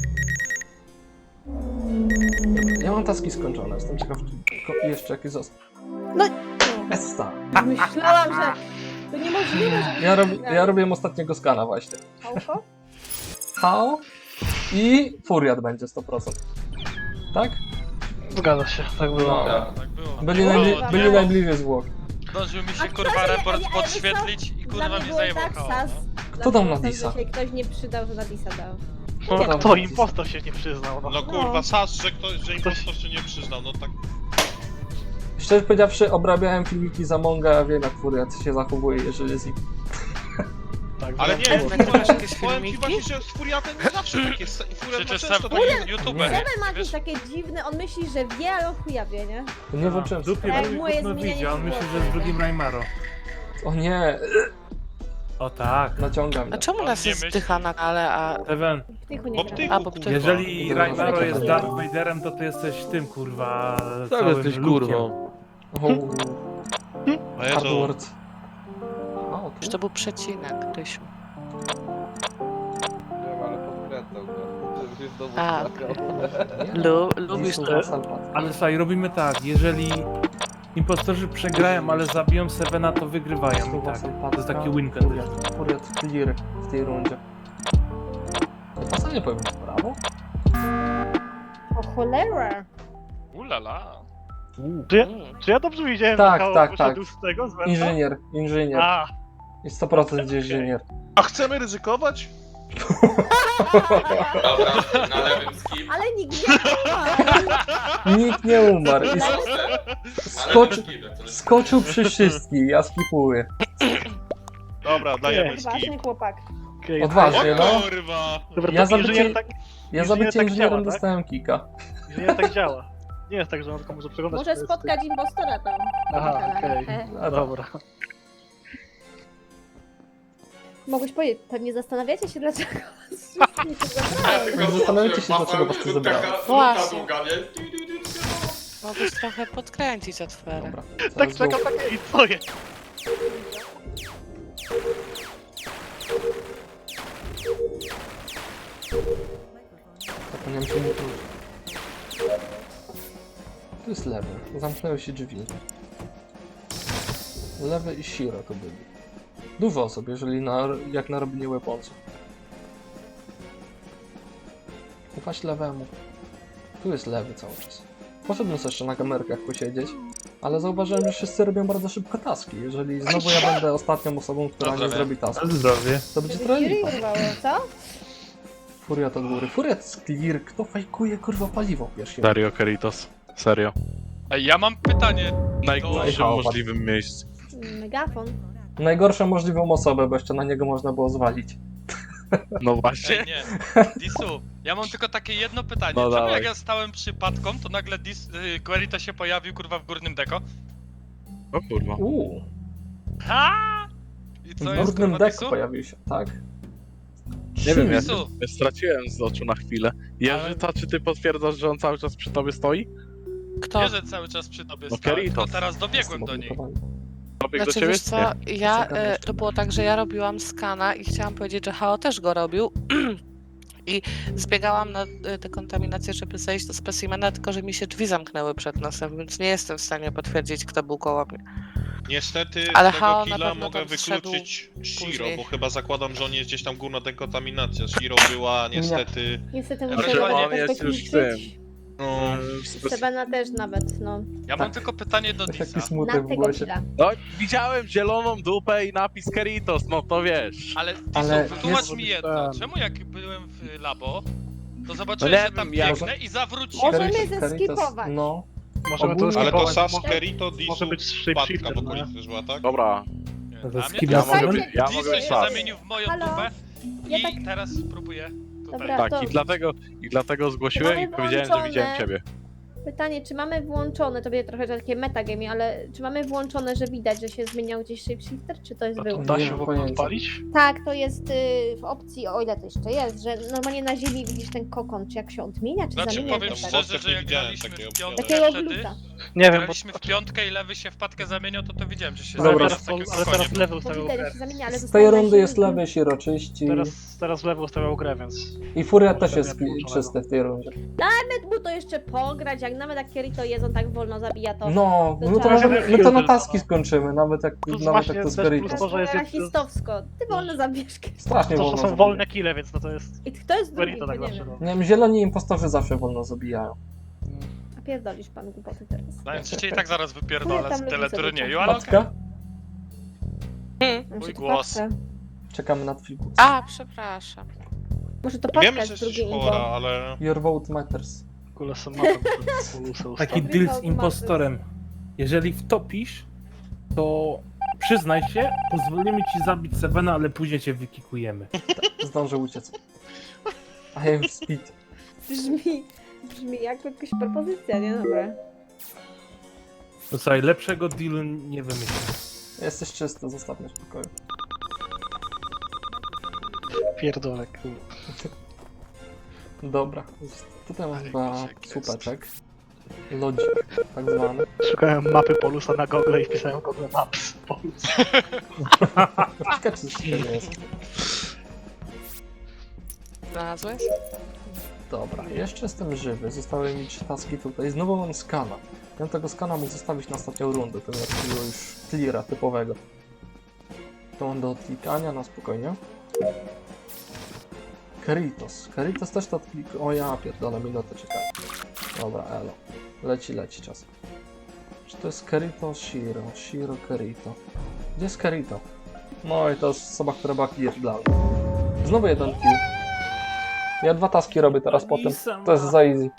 [SPEAKER 3] Ja mam taski skończone, jestem ciekaw, czy jeszcze jakieś został.
[SPEAKER 4] No.
[SPEAKER 3] Esta!
[SPEAKER 4] myślałam, że to niemożliwe, żeby
[SPEAKER 3] Ja robiłem ostatniego skana właśnie.
[SPEAKER 4] Hałko?
[SPEAKER 3] Hao i Furiat będzie 100%. Tak?
[SPEAKER 9] Zgadza się, tak było.
[SPEAKER 3] No.
[SPEAKER 7] Tak.
[SPEAKER 6] Tak było.
[SPEAKER 3] Byli najbliżej zwłok.
[SPEAKER 6] Zdążył mi
[SPEAKER 4] A
[SPEAKER 6] się
[SPEAKER 4] kto
[SPEAKER 6] kurwa
[SPEAKER 4] się-
[SPEAKER 6] raport
[SPEAKER 4] ale
[SPEAKER 6] podświetlić i
[SPEAKER 4] Dla
[SPEAKER 6] kurwa
[SPEAKER 4] mnie
[SPEAKER 6] mnie
[SPEAKER 4] było
[SPEAKER 6] zajebał
[SPEAKER 4] tak,
[SPEAKER 6] koło,
[SPEAKER 4] Sas.
[SPEAKER 6] no.
[SPEAKER 3] Kto dał na
[SPEAKER 4] Dla mnie
[SPEAKER 3] Disa?
[SPEAKER 4] się ktoś nie przydał, że na Disa dał.
[SPEAKER 9] No, kto impostor się nie przyznał, no.
[SPEAKER 2] No kurwa, Sas, że impostor się nie przyznał, no tak.
[SPEAKER 3] Szczerze powiedziawszy, obrabiałem filmiki z Amonga, ja wiem jak Furiat się zachowuje, jeżeli jest
[SPEAKER 9] Tak,
[SPEAKER 2] Ale
[SPEAKER 9] wiem.
[SPEAKER 2] nie,
[SPEAKER 1] Nagrywasz jakieś
[SPEAKER 2] powiem ci
[SPEAKER 1] filmiki?
[SPEAKER 2] właśnie, że z Furiatem nie zawsze tak jest. Furiat ma
[SPEAKER 6] Przecież
[SPEAKER 2] często
[SPEAKER 6] sam
[SPEAKER 2] takie...
[SPEAKER 6] youtuber.
[SPEAKER 4] Seven ma jakieś
[SPEAKER 6] Wiesz,
[SPEAKER 4] takie dziwne, on myśli, że wie, ale on chuja wie, nie?
[SPEAKER 3] Nie włączyłem
[SPEAKER 8] Dupie
[SPEAKER 4] Jak
[SPEAKER 8] drugi
[SPEAKER 4] moje
[SPEAKER 8] kurwa
[SPEAKER 4] zmienianie
[SPEAKER 8] widzi, a on myśli, że
[SPEAKER 4] głosu,
[SPEAKER 8] jest drugim
[SPEAKER 4] nie?
[SPEAKER 8] Raimaro.
[SPEAKER 3] O nie,
[SPEAKER 8] O tak.
[SPEAKER 3] naciągam
[SPEAKER 1] A
[SPEAKER 3] mnie.
[SPEAKER 1] czemu
[SPEAKER 6] On
[SPEAKER 1] nas
[SPEAKER 6] nie
[SPEAKER 1] jest
[SPEAKER 6] myśli.
[SPEAKER 1] zdycha na ale, a...
[SPEAKER 8] Seven,
[SPEAKER 4] W tychu nie
[SPEAKER 2] Bo
[SPEAKER 4] gra.
[SPEAKER 2] ty-
[SPEAKER 1] A, bo ty...
[SPEAKER 8] jeżeli
[SPEAKER 3] Dobra,
[SPEAKER 8] Raimaro
[SPEAKER 3] dobra.
[SPEAKER 8] jest Darth Vaderem, to ty jesteś tym kurwa
[SPEAKER 5] Tak
[SPEAKER 8] całym
[SPEAKER 5] jesteś
[SPEAKER 8] Luke'iem.
[SPEAKER 5] kurwą.
[SPEAKER 2] O Jezu.
[SPEAKER 3] Hardword. O,
[SPEAKER 1] Już to był przecinek, Rysiu.
[SPEAKER 5] Wiem, ale podkręcał go. Żeby się znowu
[SPEAKER 1] A,
[SPEAKER 5] skakał.
[SPEAKER 1] Lubisz to.
[SPEAKER 8] Ale słuchaj, robimy tak, jeżeli impostorzy przegrają, ale zabiją Sevena, to wygrywają i tak. To jest taki win condition.
[SPEAKER 3] Furiat clear w tej rundzie. To co nie powiem, brawo?
[SPEAKER 4] O cholera!
[SPEAKER 6] Ulala.
[SPEAKER 9] Czy ja dobrze widziałem,
[SPEAKER 3] Tak,
[SPEAKER 9] że Hao
[SPEAKER 3] tak,
[SPEAKER 9] wyszedł z tego, z węta?
[SPEAKER 3] Inżynier.
[SPEAKER 9] A,
[SPEAKER 3] I 100% gdzieś inżynier.
[SPEAKER 2] A chcemy ryzykować?
[SPEAKER 7] Dobra, na lewym skip.
[SPEAKER 4] Ale nikt nie ma!
[SPEAKER 3] Nikt nie umarł. I skoczył,
[SPEAKER 7] To jest
[SPEAKER 3] skoczył przy wszystkich, ja skipuję.
[SPEAKER 2] Dobra, dajemy
[SPEAKER 4] Odważny
[SPEAKER 2] skip.
[SPEAKER 4] chłopak.
[SPEAKER 9] okej.
[SPEAKER 3] Odważnie, no.
[SPEAKER 2] O kurwa!
[SPEAKER 9] Dobra,
[SPEAKER 3] Ja
[SPEAKER 9] to
[SPEAKER 3] za bycie-
[SPEAKER 9] inżynier tak,
[SPEAKER 3] Ja za bycie
[SPEAKER 9] tak
[SPEAKER 3] inżynierem
[SPEAKER 9] działa, tak?
[SPEAKER 3] dostałem kika.
[SPEAKER 9] inżynier tak działa. Nie jest tak, że on tylko może przeglądać...
[SPEAKER 4] Może
[SPEAKER 9] te-
[SPEAKER 4] spotkać impostora tam.
[SPEAKER 9] Aha, okej.
[SPEAKER 3] A
[SPEAKER 9] Dobra.
[SPEAKER 4] Mogłeś powiedzieć, pewnie zastanawiacie się, dlaczego was wszystkich tu zabrałem.
[SPEAKER 3] Zastanawiacie się, dlaczego was tu zebrałem.
[SPEAKER 1] Właśnie. Mogłeś trochę podkręcić atmosferę.
[SPEAKER 3] Dobra.
[SPEAKER 9] Tak
[SPEAKER 3] Zaraz go-
[SPEAKER 9] czekam, tak i co jest?
[SPEAKER 3] Zapomniałem się nie wrócić. Tu jest lewy. Zamknęły się drzwi. Lewy i Shiro to byli. Dużo osób, jeżeli jak na robienie weaponsów. Ufać lewemu. Tu jest lewy cały czas. Poszedłem sobie jeszcze na kamerkach posiedzieć, ale zauważyłem, że wszyscy robią bardzo szybko taski. Jeżeli znowu ja będę ostatnią osobą, która nie
[SPEAKER 6] Zdrowie.
[SPEAKER 3] zrobi taski,
[SPEAKER 8] Na zdrowie.
[SPEAKER 3] to będzie
[SPEAKER 4] Żeby
[SPEAKER 3] trochę
[SPEAKER 4] Fury
[SPEAKER 3] lipa.
[SPEAKER 4] urwało, co?
[SPEAKER 3] Furia to góry. Furia to jest clear. Kto fajkuje kurwa paliwo pierwszy?
[SPEAKER 5] Dario Keritos. Serio.
[SPEAKER 6] Ej, ja mam pytanie.
[SPEAKER 5] W najgorszym
[SPEAKER 3] Chaos.
[SPEAKER 5] możliwym miejscu.
[SPEAKER 4] Megafon.
[SPEAKER 3] Najgorszą możliwą osobę, bo jeszcze na niego można było zwalić.
[SPEAKER 5] No właśnie.
[SPEAKER 6] Ej, nie. Disu, ja mam tylko takie jedno pytanie.
[SPEAKER 5] No
[SPEAKER 6] Czemu
[SPEAKER 5] dawaj.
[SPEAKER 6] jak ja stałem przypadką, to nagle Query się pojawił kurwa w górnym deko?
[SPEAKER 5] O kurwa.
[SPEAKER 6] Ha! I
[SPEAKER 3] W
[SPEAKER 6] co jest
[SPEAKER 3] górnym
[SPEAKER 6] kurwa
[SPEAKER 3] deku
[SPEAKER 6] Disu?
[SPEAKER 3] pojawił się, tak.
[SPEAKER 5] Nie wiem, ja
[SPEAKER 6] Disu,
[SPEAKER 5] straciłem z oczu na chwilę. Jerzyta, czy ty potwierdzasz, że on cały czas przy tobie stoi?
[SPEAKER 1] Kto?
[SPEAKER 6] wiesz, że cały czas przy tobie
[SPEAKER 5] No
[SPEAKER 6] stałem,
[SPEAKER 5] Keritos.
[SPEAKER 6] tylko teraz dobiegłem do niej.
[SPEAKER 5] Dobiegł do
[SPEAKER 1] Znaczy,
[SPEAKER 5] ciebie?
[SPEAKER 1] wiesz co, ja,
[SPEAKER 3] Czekam jeszcze.
[SPEAKER 1] to było tak, że ja robiłam skana i chciałam powiedzieć, że Hao też go robił. I zbiegałam na dekontaminację, żeby zejść do specimena, tylko że mi się drzwi zamknęły przed nosem, więc nie jestem w stanie potwierdzić, kto był koło mnie.
[SPEAKER 2] Niestety
[SPEAKER 1] Ale
[SPEAKER 2] z
[SPEAKER 1] Hao
[SPEAKER 2] tego
[SPEAKER 1] na
[SPEAKER 2] killa
[SPEAKER 1] pewno
[SPEAKER 2] mogę
[SPEAKER 1] tam zszedł
[SPEAKER 2] wykluczyć Shiro,
[SPEAKER 1] później.
[SPEAKER 2] bo chyba zakładam, że on jest gdzieś tam górna dekontaminacja. Shiro była niestety...
[SPEAKER 4] Niestety
[SPEAKER 6] Ja
[SPEAKER 4] muszę
[SPEAKER 6] myślę, że
[SPEAKER 4] jakoś
[SPEAKER 5] on jest
[SPEAKER 4] tak
[SPEAKER 5] już
[SPEAKER 4] liczyć.
[SPEAKER 2] No,
[SPEAKER 4] Sebena też nawet, no.
[SPEAKER 6] Ja mam tylko pytanie do
[SPEAKER 3] Taki
[SPEAKER 6] Disa.
[SPEAKER 3] smutek
[SPEAKER 4] Na
[SPEAKER 3] w
[SPEAKER 4] tego
[SPEAKER 3] głosie.
[SPEAKER 4] killa.
[SPEAKER 5] No, widziałem zieloną dupę i napis Keritos, no to wiesz.
[SPEAKER 6] Ale Disu,
[SPEAKER 3] Ale
[SPEAKER 6] wytłumacz
[SPEAKER 3] jest-
[SPEAKER 6] mi jedno. Czemu jak byłem w labo, to zobaczyłem,
[SPEAKER 5] No nie
[SPEAKER 6] że tam
[SPEAKER 5] wiem, ja-
[SPEAKER 6] biegnę i zawróciłem.
[SPEAKER 4] Możemy
[SPEAKER 3] Caritas-
[SPEAKER 4] zeskipować.
[SPEAKER 3] No,
[SPEAKER 9] Możemy to
[SPEAKER 3] Ogólnie-
[SPEAKER 2] ale to
[SPEAKER 9] skipować,
[SPEAKER 2] Sas, Kerito,
[SPEAKER 9] może
[SPEAKER 2] Disu,
[SPEAKER 9] być
[SPEAKER 2] Patka
[SPEAKER 9] shapeshifter,
[SPEAKER 2] w
[SPEAKER 9] no.
[SPEAKER 2] okolicy też była, tak?
[SPEAKER 5] Dobra,
[SPEAKER 8] No to
[SPEAKER 6] A mnie
[SPEAKER 8] skip
[SPEAKER 5] ja
[SPEAKER 8] na
[SPEAKER 5] mogę
[SPEAKER 4] Słuchajcie,
[SPEAKER 5] być, ja
[SPEAKER 6] Disu
[SPEAKER 5] mogę być
[SPEAKER 6] się
[SPEAKER 5] Sas.
[SPEAKER 6] zamienił w moją
[SPEAKER 4] Halo?
[SPEAKER 6] dupę
[SPEAKER 4] Ja
[SPEAKER 6] i
[SPEAKER 4] tak-
[SPEAKER 6] teraz próbuję tutaj.
[SPEAKER 4] Dobra.
[SPEAKER 5] Tak,
[SPEAKER 4] to-
[SPEAKER 5] i dlatego zgłosiłem
[SPEAKER 4] Mamy
[SPEAKER 5] i powiedziałem, że
[SPEAKER 4] włączone.
[SPEAKER 5] widziałem ciebie.
[SPEAKER 4] Pytanie, czy mamy włączone, to będzie trochę takie metagame, ale czy mamy włączone, że widać, że się zmieniał gdzieś shapeshifter, czy to jest
[SPEAKER 9] A to
[SPEAKER 4] wyłączone?
[SPEAKER 9] da
[SPEAKER 3] Nie
[SPEAKER 9] się
[SPEAKER 3] mam
[SPEAKER 9] w ogóle
[SPEAKER 3] pojęcia.
[SPEAKER 9] odpalić?
[SPEAKER 4] Tak, to jest w opcji, o ile to jeszcze jest, że normalnie na ziemi widzisz ten kokon, czy jak się odmienia, czy
[SPEAKER 6] Znaczy
[SPEAKER 4] zamienia.
[SPEAKER 6] powiem
[SPEAKER 4] jakoś tak.
[SPEAKER 6] szczerze, że jak
[SPEAKER 2] Widziałem
[SPEAKER 6] graliśmy
[SPEAKER 2] takiego
[SPEAKER 6] w piątkę
[SPEAKER 4] Takiego
[SPEAKER 6] wtedy,
[SPEAKER 4] gluta.
[SPEAKER 9] Nie wiem, bo...
[SPEAKER 6] graliśmy w piątkę i lewy się w patkę zamieniał, to widziałem, że się
[SPEAKER 9] Ale
[SPEAKER 3] Dobra.
[SPEAKER 6] zamienia w
[SPEAKER 9] teraz,
[SPEAKER 6] takiego
[SPEAKER 9] ale
[SPEAKER 6] konia.
[SPEAKER 9] teraz lewy
[SPEAKER 4] Bo
[SPEAKER 9] ustawiał
[SPEAKER 4] widać,
[SPEAKER 9] grę.
[SPEAKER 4] jak się zamienia, ale
[SPEAKER 3] z
[SPEAKER 4] zostało
[SPEAKER 3] tej
[SPEAKER 4] na
[SPEAKER 3] rundy
[SPEAKER 4] ziemi
[SPEAKER 3] jest
[SPEAKER 4] glut.
[SPEAKER 3] lewy Shiro czyści
[SPEAKER 9] Teraz lewy ustawiał grę, więc...
[SPEAKER 3] i Furia też
[SPEAKER 9] Pewnie
[SPEAKER 3] jest
[SPEAKER 9] wyłączonego.
[SPEAKER 3] czysty w tej rundzie.
[SPEAKER 4] Nawet mu to jeszcze pograć, jak nawet jak Kirito jest, on tak wolno zabija to.
[SPEAKER 3] No,
[SPEAKER 4] to
[SPEAKER 3] my to,
[SPEAKER 4] trzeba-
[SPEAKER 3] możemy, my to na taski skończymy, nawet jak,
[SPEAKER 9] Plus
[SPEAKER 3] nawet
[SPEAKER 9] właśnie
[SPEAKER 3] jak to z
[SPEAKER 9] też
[SPEAKER 3] Keritos.
[SPEAKER 9] plus to, że jest-
[SPEAKER 4] rasistowsko. Ty wolno zabierz.
[SPEAKER 3] Strasznie
[SPEAKER 9] To,
[SPEAKER 3] wolno
[SPEAKER 9] że są
[SPEAKER 3] zabija.
[SPEAKER 9] wolne kile, więc no to jest...
[SPEAKER 4] I kto jest drugi,
[SPEAKER 9] Querito
[SPEAKER 4] bo
[SPEAKER 9] tak
[SPEAKER 4] nie
[SPEAKER 9] zawsze,
[SPEAKER 4] wiem.
[SPEAKER 9] no.
[SPEAKER 3] Nie wiem, zieloni impostorzy zawsze wolno zabijają.
[SPEAKER 4] A pierdolisz pan głupoty teraz.
[SPEAKER 6] Znając cię i tak zaraz
[SPEAKER 4] Chuja
[SPEAKER 6] wypierdolę
[SPEAKER 4] tam
[SPEAKER 6] z
[SPEAKER 4] lubi
[SPEAKER 6] teleturnieju,
[SPEAKER 4] sobie
[SPEAKER 6] ale
[SPEAKER 3] Patka?
[SPEAKER 4] Mam
[SPEAKER 6] Mój
[SPEAKER 4] się tu
[SPEAKER 6] głos.
[SPEAKER 4] patrzę.
[SPEAKER 3] Czekamy na twój głos.
[SPEAKER 1] A, przepraszam.
[SPEAKER 4] Może to patka
[SPEAKER 2] Wiemy, że
[SPEAKER 4] jest
[SPEAKER 2] jesteś
[SPEAKER 4] drugie
[SPEAKER 2] chora,
[SPEAKER 4] info.
[SPEAKER 2] ale...
[SPEAKER 3] Your vote matters.
[SPEAKER 9] W ogóle są mapę polusy
[SPEAKER 8] Taki
[SPEAKER 9] ustawić.
[SPEAKER 8] deal z impostorem. Jeżeli wtopisz, to przyznaj się, pozwolimy ci zabić Sevena, ale później cię wykikujemy.
[SPEAKER 3] Zdążę uciec. I am speed.
[SPEAKER 4] Brzmi jak jakaś propozycja, nie? Dobra.
[SPEAKER 8] No słuchaj, lepszego dealu nie wymyślę.
[SPEAKER 3] Jesteś czysty, zostaw mnie w spokoju.
[SPEAKER 9] Pierdolę, kurde.
[SPEAKER 3] Dobra, tutaj mam chyba
[SPEAKER 6] Lodzik jest.
[SPEAKER 3] słupeczek. Lodzik, tak zwany.
[SPEAKER 9] Szukałem mapy polusa na Google i wpisałem Google Maps. Polus.
[SPEAKER 3] Ciekawe, czy to nie jest.
[SPEAKER 1] Znalazłeś?
[SPEAKER 3] Dobra, jeszcze jestem żywy, zostały mi 3 taski tutaj. Znowu mam skana. Ja bym tego skana mógł zostawić na ostatnią rundę, to takiego już cleara typowego. To mam do odklikania na spokojnie. Keritos. Keritos też to odklik... O ja pierdolę, minutę czekaj. Dobra, elo. Leci czas. Czy to jest Kerito? Shiro. Shiro, Kerito. Gdzie jest Kerito? No i to jest osoba, która była clear dla mnie. Znowu jeden kill. Ja 2 taski robię teraz po tym. To jest za easy.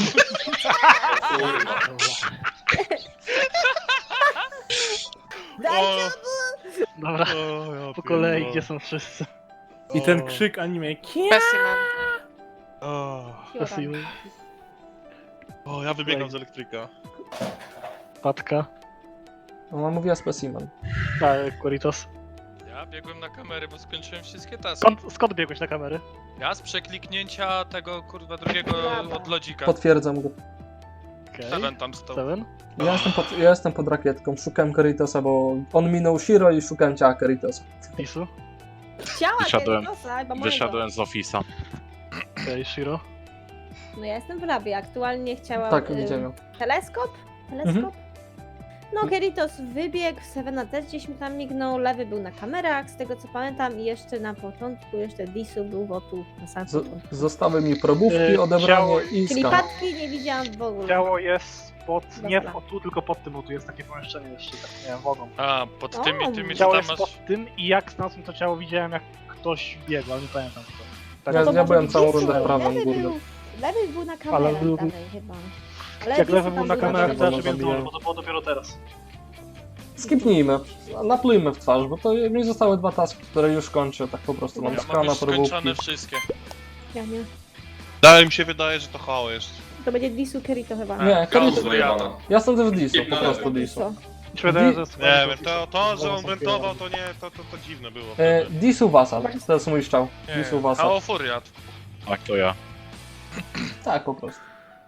[SPEAKER 9] Dobra, po kolei, gdzie są wszyscy?
[SPEAKER 8] I ten krzyk anime.
[SPEAKER 1] Specimen.
[SPEAKER 9] Specimen,
[SPEAKER 2] O, ja wybiegam z elektryka.
[SPEAKER 9] Patka,
[SPEAKER 3] Ona mówiła specimen.
[SPEAKER 9] Queritos.
[SPEAKER 6] ja biegłem na kamery, bo skończyłem wszystkie taski.
[SPEAKER 9] Skąd biegłeś na kamery?
[SPEAKER 6] Ja z przekliknięcia tego kurwa drugiego od lodzika.
[SPEAKER 3] Potwierdzam go.
[SPEAKER 6] Seven tam stał.
[SPEAKER 9] Seven?
[SPEAKER 3] Ja jestem pod rakietką, szukałem Keritosa, bo on minął Shiro i szukałem ciała Keritosa.
[SPEAKER 9] Disu?
[SPEAKER 4] Ciała
[SPEAKER 5] Wyszedłem-
[SPEAKER 4] Keritosa, chyba mojego.
[SPEAKER 5] Wyszedłem z ofisa.
[SPEAKER 9] Okej, Shiro?
[SPEAKER 4] No ja jestem w labie, aktualnie chciałam...
[SPEAKER 3] Tak, widziałem ją.
[SPEAKER 4] Teleskop? No, Keritos wybiegł, Sevena też gdzieś mi tam mignął, lewy był na kamerach, z tego co pamiętam, i jeszcze na początku, jeszcze Disu był tu na samym początku.
[SPEAKER 3] Zostały mi probówki,
[SPEAKER 9] Ciało-
[SPEAKER 3] odebranie i
[SPEAKER 4] Czyli
[SPEAKER 3] skan.
[SPEAKER 4] Patki nie widziałam w ogóle.
[SPEAKER 9] Ciało jest nie
[SPEAKER 4] Dobra.
[SPEAKER 9] tu, tylko pod tym, bo tu jest takie pomieszczenie jeszcze, tak nie wiem, mogą.
[SPEAKER 6] A, pod tymi,
[SPEAKER 4] O,
[SPEAKER 6] tymi co
[SPEAKER 9] Ciało
[SPEAKER 6] tam
[SPEAKER 9] jest
[SPEAKER 6] masz...
[SPEAKER 9] pod tym i jak znalazłem to ciało, widziałem jak ktoś biegł, ale nie pamiętam kto. Tak,
[SPEAKER 3] Ja-
[SPEAKER 4] No to
[SPEAKER 3] ja
[SPEAKER 4] może
[SPEAKER 3] byłem
[SPEAKER 4] być
[SPEAKER 3] całą
[SPEAKER 4] Disu,
[SPEAKER 3] rundę w prawym
[SPEAKER 4] lewy
[SPEAKER 3] górnym.
[SPEAKER 4] Lewy był na kamerach
[SPEAKER 9] był-
[SPEAKER 4] dalej chyba. Ale
[SPEAKER 9] jak
[SPEAKER 4] Disu
[SPEAKER 9] lewy
[SPEAKER 4] tam
[SPEAKER 9] był na kamerach,
[SPEAKER 3] tak,
[SPEAKER 9] to ja
[SPEAKER 3] bo
[SPEAKER 9] żebym
[SPEAKER 3] zabiłem.
[SPEAKER 9] bo to było dopiero teraz.
[SPEAKER 3] Skipnijmy, naplujmy w twarz, bo to mi zostały 2 taski, które już kończę, tak po prostu mam
[SPEAKER 6] Ja mam
[SPEAKER 3] skana,
[SPEAKER 6] już skończone
[SPEAKER 3] probówki.
[SPEAKER 6] wszystkie.
[SPEAKER 4] Ja nie.
[SPEAKER 2] Dalej mi się wydaje, że to HO jest.
[SPEAKER 4] To będzie Disu Kerito chyba.
[SPEAKER 3] Nie, Kerito,
[SPEAKER 7] Zajebana.
[SPEAKER 3] ja jestem też Disu,
[SPEAKER 7] Skip
[SPEAKER 3] po
[SPEAKER 7] na
[SPEAKER 3] prostu
[SPEAKER 7] lewy.
[SPEAKER 3] Disu.
[SPEAKER 4] Co?
[SPEAKER 9] Mi się wydaje, że
[SPEAKER 2] Nie wiem, to że on wentował, to nie, to dziwne było.
[SPEAKER 3] Disu Vasal, to jest mój szczał. Disu Vasal.
[SPEAKER 6] HO Furiat.
[SPEAKER 5] Tak, to ja.
[SPEAKER 3] Tak, po prostu.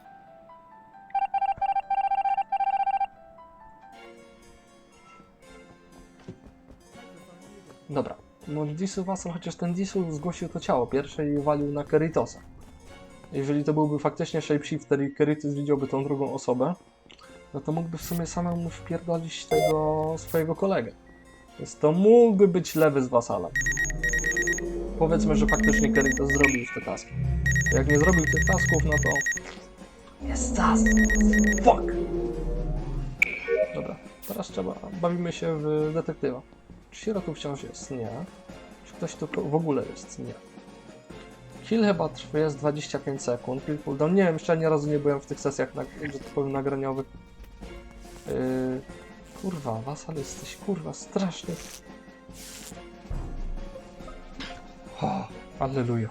[SPEAKER 3] Dobra. No Disu Vasal, chociaż ten Disu zgłosił to ciało pierwsze i walił na Keritosa. Jeżeli to byłby faktycznie shapeshifter i Keritos widziałby tą drugą osobę, no to mógłby w sumie samemu wpierdolić tego swojego kolegę. Więc to mógłby być lewy z Vasalem. Powiedzmy, że faktycznie Keritos zrobił już te taski. Jak nie zrobił tych tasków, no to... Jest czas! Fuck! Dobra, teraz bawimy się w detektywa. Czy Shiro tu wciąż jest? Nie. Czy ktoś tu w ogóle jest? Nie. Kill chyba jest 25 sekund. Kill cooldown. Nie wiem, jeszcze ani razu nie byłem w tych sesjach, że tak powiem, nagraniowych. Kurwa, Vasal jesteś kurwa straszny. Oh, alleluja.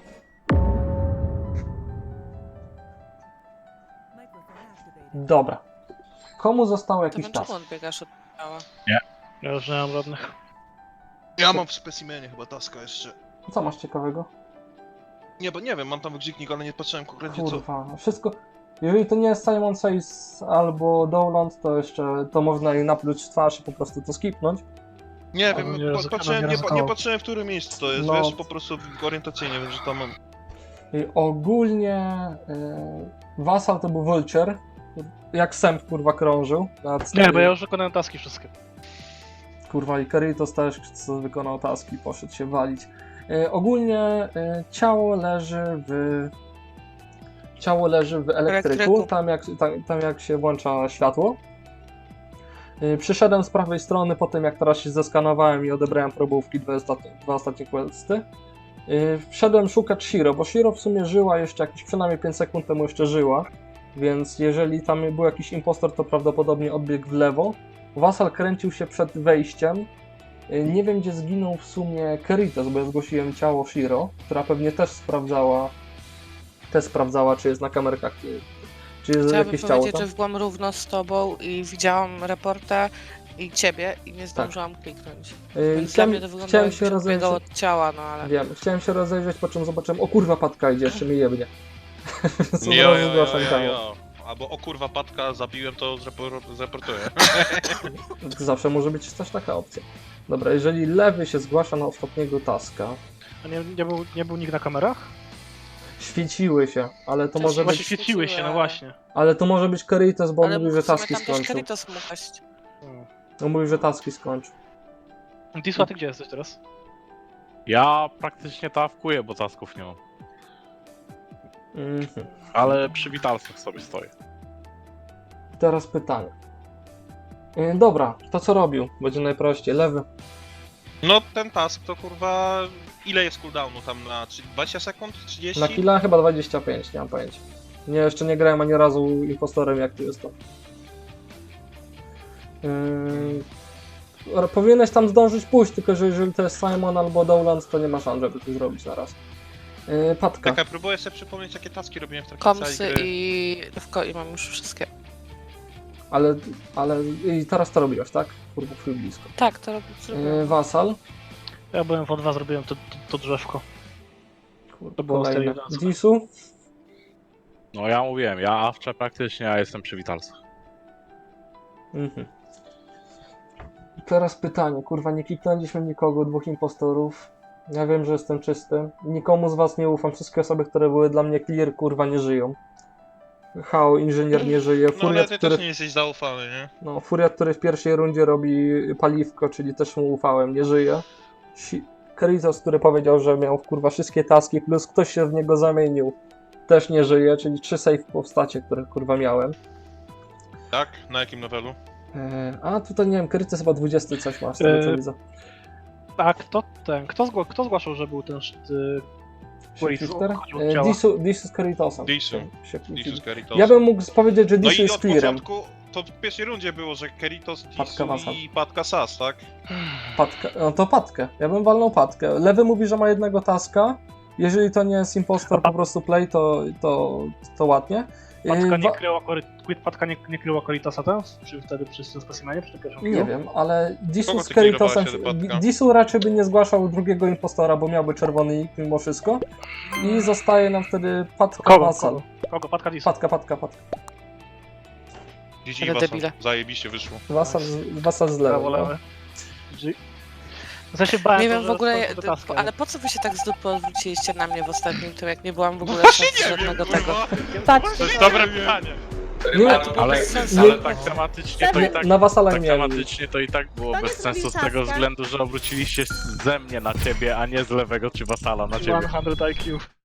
[SPEAKER 3] Dobra. Komu został
[SPEAKER 1] To
[SPEAKER 3] jakiś
[SPEAKER 1] dlaczego
[SPEAKER 3] czas?
[SPEAKER 1] odbiegasz od ciała?
[SPEAKER 9] Ja już nie mam żadnych.
[SPEAKER 2] Ja mam w specimenie chyba taska jeszcze.
[SPEAKER 3] Co masz ciekawego?
[SPEAKER 2] Nie, bo nie wiem, mam tam wygrzyknik, ale nie patrzyłem konkretnie co.
[SPEAKER 3] Kurwa, wszystko... Jeżeli to nie jest Simon Says albo Dowland, to jeszcze to można jej napluć w twarz i po prostu to skipnąć.
[SPEAKER 2] Nie
[SPEAKER 9] Ale
[SPEAKER 2] wiem,
[SPEAKER 9] nie ryzykował,
[SPEAKER 2] patrzyłem,
[SPEAKER 9] nie
[SPEAKER 2] nie
[SPEAKER 9] ryzykował.
[SPEAKER 2] patrzyłem w którym miejscu to jest,
[SPEAKER 3] No.
[SPEAKER 2] wiesz, po prostu orientacyjnie wiem, że tam mam.
[SPEAKER 3] I ogólnie Vassal to był Vulture. Jak sęp kurwa krążył.
[SPEAKER 9] Nie, bo ja już wykonałem taski wszystkie.
[SPEAKER 3] Kurwa i Keritos też co wykonał taski, poszedł się walić. Ogólnie ciało leży w elektryku, tam jak się włącza światło. Przyszedłem z prawej strony po tym, jak teraz się zeskanowałem i odebrałem probówki, dwa ostatnie questy. Wszedłem szukać Shiro, bo Shiro w sumie żyła jeszcze jakieś przynajmniej 5 sekund temu jeszcze żyła, więc jeżeli tam był jakiś impostor, to prawdopodobnie odbiegł w lewo. Vassal kręcił się przed wejściem. Nie wiem, gdzie zginął w sumie Keritos, bo ja zgłosiłem ciało Shiro, która pewnie też sprawdzała, czy jest na kamerkach, czy jest
[SPEAKER 1] Chciałabym
[SPEAKER 3] jakieś ciało
[SPEAKER 1] powiedzieć,
[SPEAKER 3] tam.
[SPEAKER 1] że byłam równo z tobą i widziałam reporta i ciebie i nie zdążyłam kliknąć. Więc dla mnie to wyglądało,
[SPEAKER 3] Chciałem
[SPEAKER 1] jakby
[SPEAKER 3] się
[SPEAKER 1] się odbiegało
[SPEAKER 3] rozejrzeć.
[SPEAKER 1] od ciała, no ale...
[SPEAKER 3] Wiem, chciałem się rozejrzeć, po czym zobaczyłem, o kurwa, Patka idzie, jeszcze mi jebnie. Co
[SPEAKER 2] Jo,
[SPEAKER 3] zaraz zgłaszam ciało.
[SPEAKER 2] Albo o kurwa Patka zabiłem, to zreportuję.
[SPEAKER 3] Zawsze może być też taka opcja. Dobra, jeżeli lewy się zgłasza na ostatniego taska,
[SPEAKER 9] A nie był nikt na kamerach?
[SPEAKER 3] świeciły się, ale to
[SPEAKER 1] Też
[SPEAKER 3] może
[SPEAKER 9] Właśnie
[SPEAKER 3] być,
[SPEAKER 9] świeciły się, no właśnie.
[SPEAKER 3] ale to może być Keritos, bo on
[SPEAKER 1] Ale
[SPEAKER 3] mówi, że
[SPEAKER 1] w sumie
[SPEAKER 3] taski
[SPEAKER 1] tam też
[SPEAKER 3] skończył.
[SPEAKER 1] Keritos mógł paść.
[SPEAKER 3] On mówi, że taski skończył.
[SPEAKER 9] Disła, ty gdzie jesteś teraz?
[SPEAKER 5] Ja praktycznie tawkuję, bo tasków nie mam.
[SPEAKER 3] Mhm.
[SPEAKER 5] Ale przy witalcach sobie stoję.
[SPEAKER 3] Teraz pytanie. Dobra, to co robił? Będzie najprościej. Lewy.
[SPEAKER 2] No ten task to kurwa... Ile jest cooldownu tam na 20 sekund? 30?
[SPEAKER 3] Na killa chyba 25, nie mam pojęcia. Nie, jeszcze nie grałem ani razu impostorem, jak tu jest to. Powinieneś tam zdążyć pójść, tylko że jeżeli to jest Simon albo Dowland, to nie ma szans, żeby to zrobić na raz. Patka.
[SPEAKER 2] Czekaj, próbuję sobie przypomnieć, jakie taski robiłem w trakcie
[SPEAKER 1] Komsy
[SPEAKER 2] całej gry.
[SPEAKER 1] i Rywko i mam już wszystkie.
[SPEAKER 3] Ale i teraz to robiłeś, tak? Kurwa, twój blisko.
[SPEAKER 1] Tak, to zrobiłam.
[SPEAKER 3] Vassal.
[SPEAKER 9] Ja byłem w O2, zrobiłem to drzewko.
[SPEAKER 3] Kurwa,
[SPEAKER 9] To było
[SPEAKER 3] kolejne.
[SPEAKER 9] sterylizacja.
[SPEAKER 3] Disu.
[SPEAKER 5] No ja mówiłem, ja awczę praktycznie, a jestem przy witalcach.
[SPEAKER 3] Mhm. Teraz pytanie, kurwa, nie kliknęliśmy nikogo, 2 impostorów. Ja wiem, że jestem czysty. Nikomu z was nie ufam, wszystkie osoby, które były dla mnie clear, kurwa, nie żyją. Hao, inżynier nie żyje,
[SPEAKER 2] No ale
[SPEAKER 3] Furiat,
[SPEAKER 2] ty
[SPEAKER 3] który...
[SPEAKER 2] też nie jesteś zaufany, nie?
[SPEAKER 3] No, Furiat, który w pierwszej rundzie robi paliwko, czyli też mu ufałem, nie żyje. Keritos, który powiedział, że miał kurwa wszystkie taski, plus ktoś się w niego zamienił, też nie żyje, czyli 3 save postacie, które kurwa miałem.
[SPEAKER 2] Tak? Na jakim levelu?
[SPEAKER 3] A tutaj nie wiem, Keritos chyba 20 coś ma, z tego co widzę.
[SPEAKER 9] A kto zgłaszał, że był ten
[SPEAKER 3] Shifter?
[SPEAKER 9] chodził od ciała?
[SPEAKER 3] Disu z Keritosem.
[SPEAKER 2] Disu.
[SPEAKER 3] Się kłócili.
[SPEAKER 2] Disus Keritos.
[SPEAKER 3] Ja bym mógł powiedzieć, że
[SPEAKER 2] No
[SPEAKER 3] Disu
[SPEAKER 2] i
[SPEAKER 3] jest
[SPEAKER 2] od
[SPEAKER 3] clearem.
[SPEAKER 2] początku, to w pierwszej rundzie było, że Keritos,
[SPEAKER 3] Patka
[SPEAKER 2] Disu
[SPEAKER 3] Wasal.
[SPEAKER 2] i Patka Sas, tak?
[SPEAKER 3] Patka, no to Patkę. Ja bym walnął Patkę. Lewy mówi, że ma jednego taska. Jeżeli to nie jest impostor, po prostu play, to ładnie.
[SPEAKER 9] Patka nie kryła Coritosa ten? Czy wtedy przy tym specimenie, przy tym pierwszym
[SPEAKER 3] Nie wiem, ale Disu
[SPEAKER 2] Kogo
[SPEAKER 3] z
[SPEAKER 2] ty
[SPEAKER 3] Keritosem...
[SPEAKER 2] kierowałeś się do Patka?
[SPEAKER 3] Disu raczej by nie zgłaszał drugiego impostora, bo miałby czerwony nick mimo wszystko. I zostaje nam wtedy Patka
[SPEAKER 9] Kogo?
[SPEAKER 3] Wasal.
[SPEAKER 9] Kogo? Patka Disu.
[SPEAKER 3] Patka.
[SPEAKER 2] GG
[SPEAKER 1] Ale
[SPEAKER 2] Wasal.
[SPEAKER 1] debile.
[SPEAKER 2] Zajebiście wyszło.
[SPEAKER 3] Wasal z lewy.
[SPEAKER 9] Prawo,
[SPEAKER 3] No.
[SPEAKER 9] lewe. W sensie bałem
[SPEAKER 1] Nie
[SPEAKER 9] to,
[SPEAKER 1] wiem
[SPEAKER 9] że
[SPEAKER 1] w ogóle,
[SPEAKER 9] to taski,
[SPEAKER 1] ale po co wy się tak z dupy odwróciliście na mnie w ostatnim tym, jak nie byłam w ogóle
[SPEAKER 2] Właśnie
[SPEAKER 1] z
[SPEAKER 2] nie wiem,
[SPEAKER 1] żadnego tego.
[SPEAKER 2] kurwa.
[SPEAKER 4] Patrz,
[SPEAKER 6] To jest dobre pytanie.
[SPEAKER 3] Nie,
[SPEAKER 1] to było
[SPEAKER 5] Ale,
[SPEAKER 1] bez sensu.
[SPEAKER 5] ale tak tematycznie to i tak...
[SPEAKER 3] Na Wasala
[SPEAKER 5] Tak
[SPEAKER 3] nie miałem.
[SPEAKER 5] tematycznie to i tak było
[SPEAKER 4] To nie
[SPEAKER 5] bez sensu z
[SPEAKER 4] zrobił
[SPEAKER 5] tego
[SPEAKER 4] taska.
[SPEAKER 5] względu, że obróciliście ze mnie na ciebie, a nie z lewego czy wasala na ciebie.
[SPEAKER 9] 100 IQ.